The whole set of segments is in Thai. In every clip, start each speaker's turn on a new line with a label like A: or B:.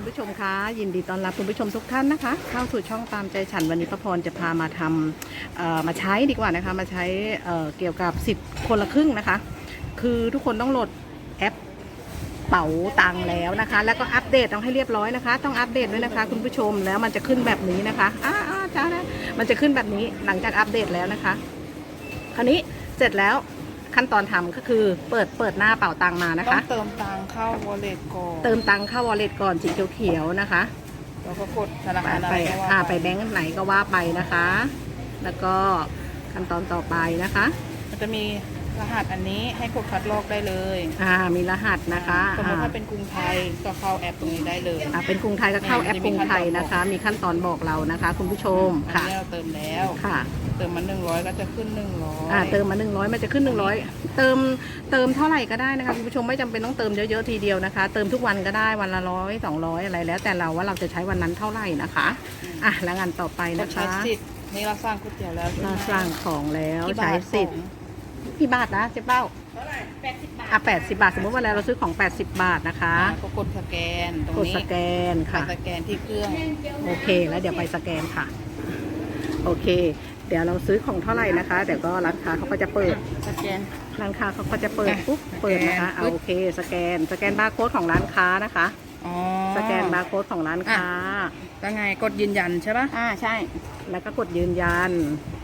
A: คุณผู้ชมคะยินดีต้อนรับคุณผู้ชมทุกท่านนะคะเข้าสู่ช่องตามใจฉันวันนี้ป้าพรจะพามาทำมาใช้ดีกว่านะคะมาใช้เกี่ยวกับสิทธิ์คนละครึ่งนะคะคือทุกคนต้องโหลดแอปเป๋าตังแล้วนะคะแล้วก็อัปเดตต้องให้เรียบร้อยนะคะต้องอัปเดตด้วยนะคะคุณผู้ชมแล้วมันจะขึ้นแบบนี้นะคะจ้านะมันจะขึ้นแบบนี้หลังจากอัปเดตแล้วนะคะคราวนี้เสร็จแล้วขั้นตอนทำก็คือเปิดหน้าเป๋าตังมานะคะ
B: ต้องเติมตังเข้า wallet ก่อน
A: เติมตังเข้า wallet ก่อนสีเขียวๆนะคะ
B: แล้วก็กดธนาคารอะไรก็ว่า
A: ไปแบงก์ไหนก็ว่าไปนะคะ แล้วก็ขั้นตอนต่อไปนะคะ
B: มันจะมีรหัสอันนี้ให้กดคัดลอกได้เลย
A: มีรหัสนะคะ
B: สมมติถ้าเป็นกรุงไทยก็เข้าแอปตรงนี้ได้เลย
A: เป็นกรุงไทยก็เข้าแอปกรุงไทยนะคะมีขั้นตอนบอกเรานะคะคุณผู้ชม
B: ค่ะเราเติมแล้ว
A: ค่ะ
B: เติมมา100ก็จะขึ้น100
A: เติมมา100มันจะขึ้น100เติมเท่าไหร่ก็ได้นะคะคุณผู้ชมไม่จำเป็นต้องเติมเยอะๆทีเดียวนะคะเติมทุกวันก็ได้วันละ100 200อะไรแล้วแต่เราว่าเราจะใช้วันนั้นเท่าไหร่นะคะแล้วงานต่อไปนะคะ
B: นี่เราสร้างก๋วยเตี๋ยวแล้ว
A: เราสร้างของแล้วใช้สิทธิ์กี่บาทนะเจ๊เป้า80 บาท80 บาทสมมติว่าเราซื้อของ80 บาทนะคะ
B: ก็กดสแกนตรงนี้
A: กดสแกนค่ะ
B: สแกนที่เครื่อง
A: โอเคแล้วเดี๋ยวไปสแกนค่ะโอเคเดี๋ยวเราซื้อของเท่าไหร่นะคะเดี๋ยวก็ร้านค้าเขาก็จะเปิด
B: สแกน
A: ร้านค้าเขาก็จะเปิดปุ๊บเปิดนะคะโอเคสแกนบาร์โค้ดของร้านค้านะคะสแกนบาร์โค้ดของร้านค้า
B: แล้วไงกดยืนยันใช่ปะ
A: ใช่แล้วก็กดยืนยัน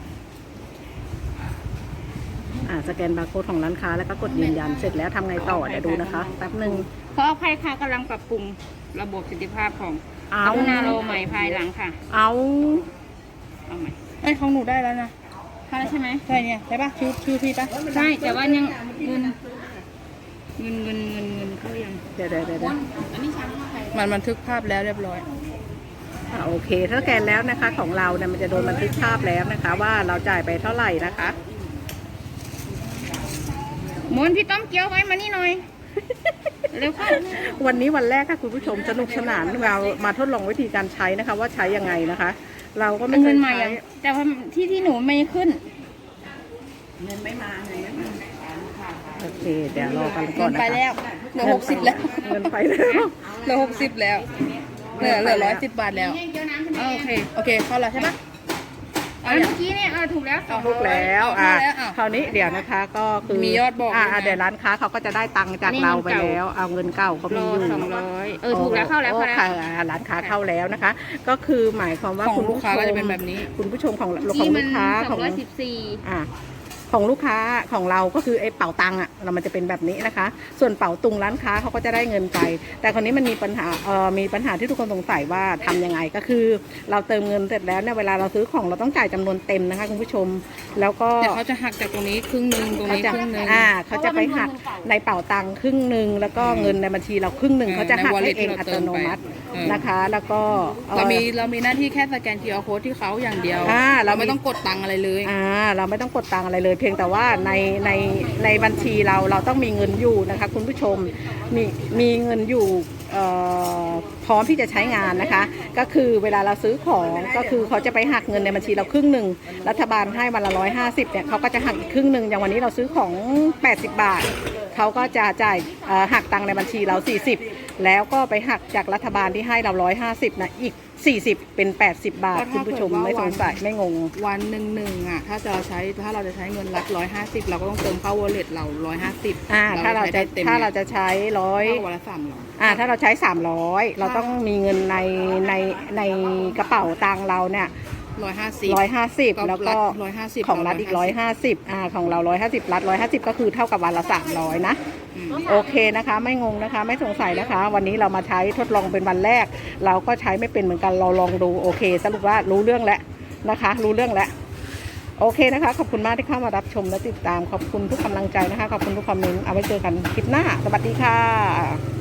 A: สแกนบาร์โค้ดของร้านค้าแล้วก็กดยืนยันเสร็จแล้วทำไงต่อเดี๋ยวดูนะคะแป๊บหนึ่ง
C: ขออภัยค่ะกำลังปรับปรุงระบบประสิทธิภาพของกรุณาโลใหม่ภายหลังค่ะ
A: เอา
C: ใหม่
B: ของหนูได้แล้วนะ
C: ค่ะแล้วใช่ไหม
B: ใช่เนี่ยใช่ปะชื่อพี่ปะ
C: ใช่แต่ว่ายังเงินเข้ายัง
A: เดี๋ยว
C: อันนี้ชั้นว่าใคร
B: มันบันทึกภาพแล้วเรียบร้อย
A: โอเคถ้าแกนแล้วนะคะของเราเนี่ยมันจะโดนบันทึกภาพแล้วนะคะว่าเราจ่ายไปเท่าไหร่นะคะ
C: หมุนพี่ต้มเกี๊ยวไว้มานี่หน่อยเร็วเข้า
A: วันนี้วันแรกค่ะคุณผู้ชมสนุกสนานเรามาทดลองวิธีการใช้นะคะว่าใช้ยังไงนะคะเราก็ไม่เคยใช้
C: แต่ว่าที่หนูไม่ขึ้น
A: เงินไม่มาโอเคเดี๋ยวรอกันก่อนนะคะ
B: ไปแล้วเหลือ60แล้ว
A: เงินไปแล้ว
B: เหลือ60แล้วเหลือ110 บาทแล้วโอเคเข้าแล้วใช่ปะ
C: เมื่อกี้เนี่ยถูกแล้ว
A: คราวนี้เดี๋ยวนะคะก็คือ
B: มียอดบอก
A: เดี๋ยวร้านค้าเขาก็จะได้ตังค์จากเราไปแล้วเอาเงินเก่าเขามีอยู่
C: 200ถูกแล้วเข้าแล้ว
A: ค่ะร้านค้าเข้าแล้วนะคะก็คือหมายความว่า
B: คุณลูกค้าก็จะเป็นแบบนี้
A: คุณผู้ชมของลูกค้าของลูกค้าของเราก็คือไอ้เป๋าตังเรามันจะเป็นแบบนี้นะคะส่วนเป๋าตุงร้านค้าเขาก็จะได้เงินไปแต่คนนี้มันมีปัญหาที่ทุกคนสงสัยว่าทำยังไงก็คือเราเติมเงินเสร็จแล้วเนี่ยเวลาเราซื้อของเราต้องจ่ายจำนวนเต็มนะคะคุณผู้ชมแล้วก็
B: เขาจะหักจากตรงนี้ครึ่งนึงตรงนี้ครึ่งนึง
A: เขาจะไปหักในเป๋าตังครึ่งนึงแล้วก็เงินในบัญชีเราครึ่งนึงเขาจะหักให้เองอัตโนมัตินะคะแล้วก็
B: เรามีหน้าที่แค่สแกน QR code ที่เขาอย่างเดียวเราไม่ต้องกดตังอะไรเลย
A: เราไม่ต้องกดตังอะไรเลยเพียงแต่ว่าในบัญชีเราต้องมีเงินอยู่นะคะคุณผู้ชมมีเงินอยู่พร้อมที่จะใช้งานนะคะก็คือเวลาเราซื้อของก็คือเขาจะไปหักเงินในบัญชีเราครึ่งหนึ่งรัฐบาลให้วันละ150เนี่ยเขาก็จะหักอีกครึ่งหนึ่งอย่างวันนี้เราซื้อของ80 บาทเขาก็จะจ่ายหักตังในบัญชีเรา40แล้วก็ไปหักจากรัฐบาลที่ให้เรา150นะอีก40เป็น80 บาทคุณผู้ชมไม่สงสัยไม่งง
B: วันหนึ่งถ้าเราจะใช้เงินรัฐ150เราก็ต้องเติมเข้า wallet เรา150
A: ถ้าเราจะใช้100
B: วันละ300
A: ถ้าเราใช้300เราต้องมีเงินในกระเป๋าตังเราเนี่ย150แล้วก็ของรัฐอีก150ของเรา150รัฐ150ก็คือเท่ากับวันละ300นะโอเคนะคะไม่งงนะคะไม่สงสัยนะคะวันนี้เรามาใช้ทดลองเป็นวันแรกเราก็ใช้ไม่เป็นเหมือนกันเราลองดูโอเคสรุปว่ารู้เรื่องแล้วนะคะรู้เรื่องแล้วโอเคนะคะขอบคุณมากที่เข้ามารับชมและติดตามขอบคุณทุกกำลังใจนะคะขอบคุณทุกคอมเมนต์เอาไว้เจอกันคลิปหน้าสวัสดีค่ะ